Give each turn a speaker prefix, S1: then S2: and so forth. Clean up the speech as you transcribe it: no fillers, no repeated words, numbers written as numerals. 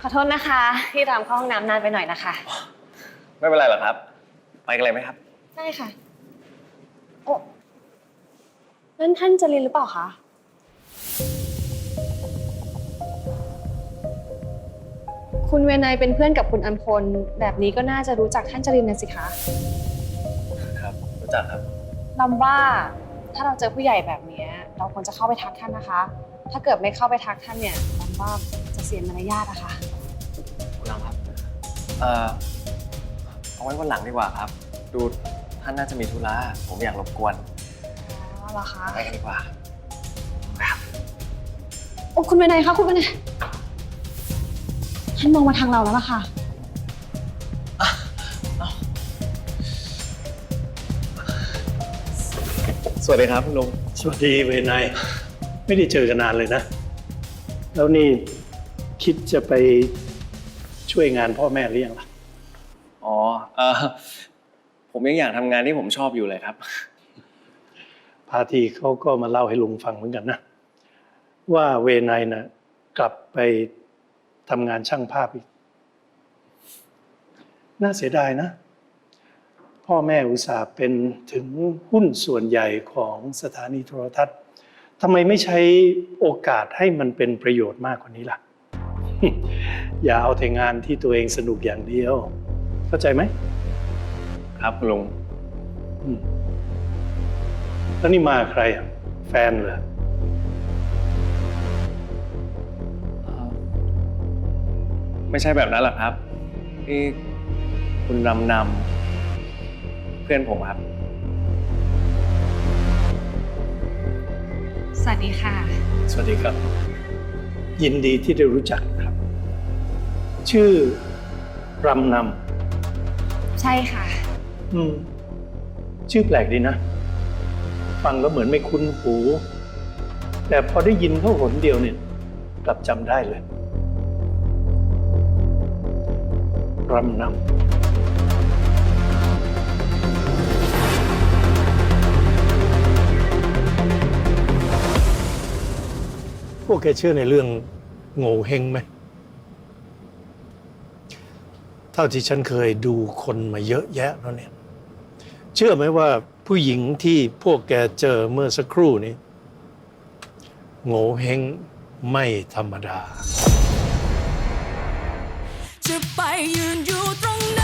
S1: ขอโทษนะคะที่รำเข้าห้องน้ำนานไปหน่อยนะคะ
S2: ไม่เป็นไรหรอกครับไปกันเลยไหมครับ
S1: ได้ค่ะโอ้นั่นท่านจรินหรือเปล่าคะคุณเวนยเป็นเพื่อนกับคุณอัมพลแบบนี้ก็น่าจะรู้จักท่านจรินนะสิคะ
S2: ครับรู้จักครับ
S1: ลำว่าถ้าเราเจอผู้ใหญ่แบบนี้เราควรจะเข้าไปทักท่านนะคะ ถ้าเกิดไม่เข้าไปทักท่านเนี่ยลำว่าจะเสียมารยาทอะค่ะ
S2: คุณลำครับเอาไว้วันหลังดีกว่าครับดูท่านน่าจะมีธุระผมอยากรบกวน
S1: อ๋อเหรอคะ
S2: ไปกันดีกว่าครับ
S1: โอ้คุณเวนยคะคุณเวนยท่านมองมาทางเราแล้วล่ะค่ะ
S2: สวัสดีครับคุณลุง
S3: สวัสดีเวนยไม่ได้เจอกันนานเลยนะแล้วนี่คิดจะไปช่วยงานพ่อแม่หรือยังล่ะ
S2: อ๋อผมยังอยากทำงานที่ผมชอบอยู่เลยครับ
S3: พาทีเขาก็มาเล่าให้ลุงฟังเหมือนกันนะว่าเวนยนะกลับไปทำงานช่างภาพอีกน่าเสียดายนะพ่อแม่อุตส่าห์เป็นถึงหุ้นส่วนใหญ่ของสถานีโทรทัศน์ทำไมไม่ใช้โอกาสให้มันเป็นประโยชน์มากกว่านี้ล่ะ อย่าเอาแต่งานที่ตัวเองสนุกอย่างเดียวเข้าใจไหม
S2: ครับคุณลุง
S3: แล้วนี่มาใครอ่ะแฟนเหรอ
S2: ไม่ใช่แบบนั้นหรอกครับนี่คุณนำเพื่อนผมครับ
S1: สวัสดีค่ะ
S3: สวัสดีครับยินดีที่ได้รู้จักครับชื่อรำน
S1: ใช่ค่ะ
S3: ชื่อแปลกดีนะฟังแล้วเหมือนไม่คุ้นหูแต่พอได้ยินเขาหนเดียวเนี่ยกลับจำได้เลยรำนำพวกแกเชื่อในเรื่องโง่เฮงไหมเท่าที่ฉันเคยดูคนมาเยอะแยะแล้วเนี่ยเชื่อไหมว่าผู้หญิงที่พวกแกเจอเมื่อสักครู่นี้โง่เฮงไม่ธรรมดาจะไปยืนอยู่ตรงนั้น